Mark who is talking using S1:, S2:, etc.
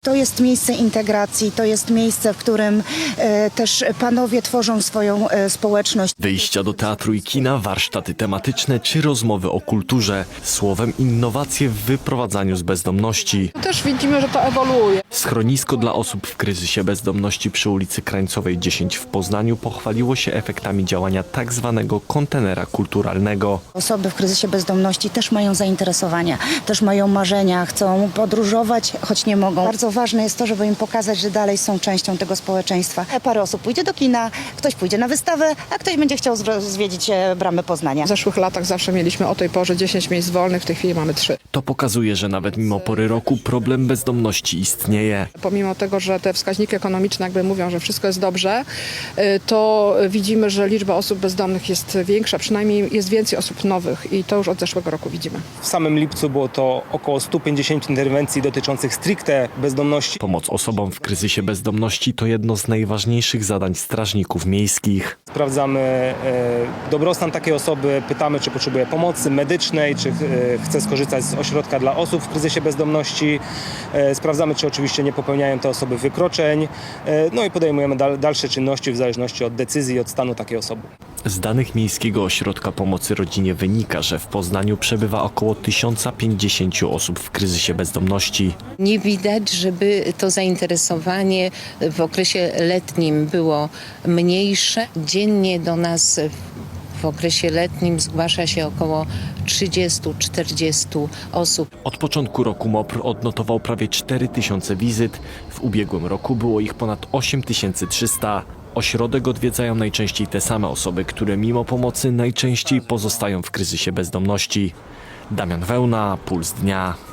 S1: To jest miejsce integracji, to jest miejsce, w którym też panowie tworzą swoją społeczność.
S2: Wyjścia do teatru i kina, warsztaty tematyczne czy rozmowy o kulturze. Słowem innowacje w wyprowadzaniu z bezdomności.
S3: Też widzimy, że to ewoluuje.
S2: Schronisko dla osób w kryzysie bezdomności przy ulicy Krańcowej 10 w Poznaniu pochwaliło się efektami działania tak zwanego kontenera kulturalnego.
S1: Osoby w kryzysie bezdomności też mają zainteresowania, też mają marzenia, chcą podróżować, choć nie mogą. Bardzo ważne jest to, żeby im pokazać, że dalej są częścią tego społeczeństwa. Parę osób pójdzie do kina, ktoś pójdzie na wystawę, a ktoś będzie chciał zwiedzić Bramę Poznania.
S3: W zeszłych latach zawsze mieliśmy o tej porze 10 miejsc wolnych, w tej chwili mamy 3.
S2: To pokazuje, że nawet mimo pory roku problem bezdomności istnieje.
S3: Pomimo tego, że te wskaźniki ekonomiczne jakby mówią, że wszystko jest dobrze, to widzimy, że liczba osób bezdomnych jest większa, przynajmniej jest więcej osób nowych i to już od zeszłego roku widzimy.
S4: W samym lipcu było to około 150 interwencji dotyczących stricte bezdomności.
S2: Pomoc osobom w kryzysie bezdomności to jedno z najważniejszych zadań strażników miejskich.
S4: Sprawdzamy dobrostan takiej osoby, pytamy, czy potrzebuje pomocy medycznej, czy chce skorzystać z ośrodka dla osób w kryzysie bezdomności. Sprawdzamy, czy oczywiście nie popełniają te osoby wykroczeń. No i podejmujemy dalsze czynności w zależności od decyzji i od stanu takiej osoby.
S2: Z danych Miejskiego Ośrodka Pomocy Rodzinie wynika, że w Poznaniu przebywa około 1050 osób w kryzysie bezdomności.
S5: Nie widać, żeby to zainteresowanie w okresie letnim było mniejsze. Dziennie do nas w okresie letnim zgłasza się około 30-40 osób.
S2: Od początku roku MOPR odnotował prawie 4000 wizyt. W ubiegłym roku było ich ponad 8300. Ośrodek odwiedzają najczęściej te same osoby, które mimo pomocy najczęściej pozostają w kryzysie bezdomności. Damian Wełna, Puls Dnia.